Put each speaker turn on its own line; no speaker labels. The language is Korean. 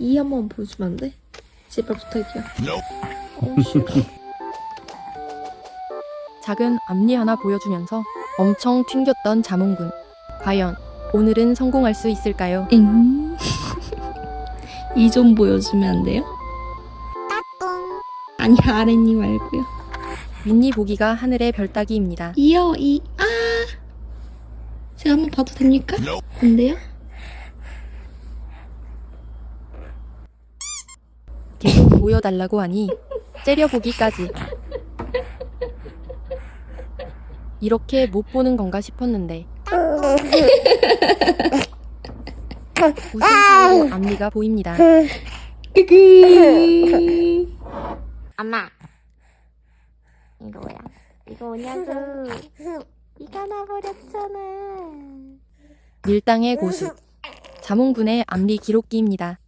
이 한번 보여주면 안 돼? 제발 부탁이야. 싫어.
작은 앞니 하나 보여주면서 엄청 튕겼던 자몽군. 과연 오늘은 성공할 수 있을까요?
엥? 이 좀 보여주면 안 돼요? 아니 아랫니 말고요.
윗니 보기가 하늘의 별 따기입니다.
이요 제가 한번 봐도 됩니까? 안 돼요?
계속 보여달라고 하니 째려보기까지. 이렇게 못 보는 건가 싶었는데 웃음 사이로 앞니가 보입니다.
엄마 이거 뭐야? 이거 뭐냐고? 이가 나버렸잖아.
밀당의 고수 자몽군의 앞니 기록기입니다.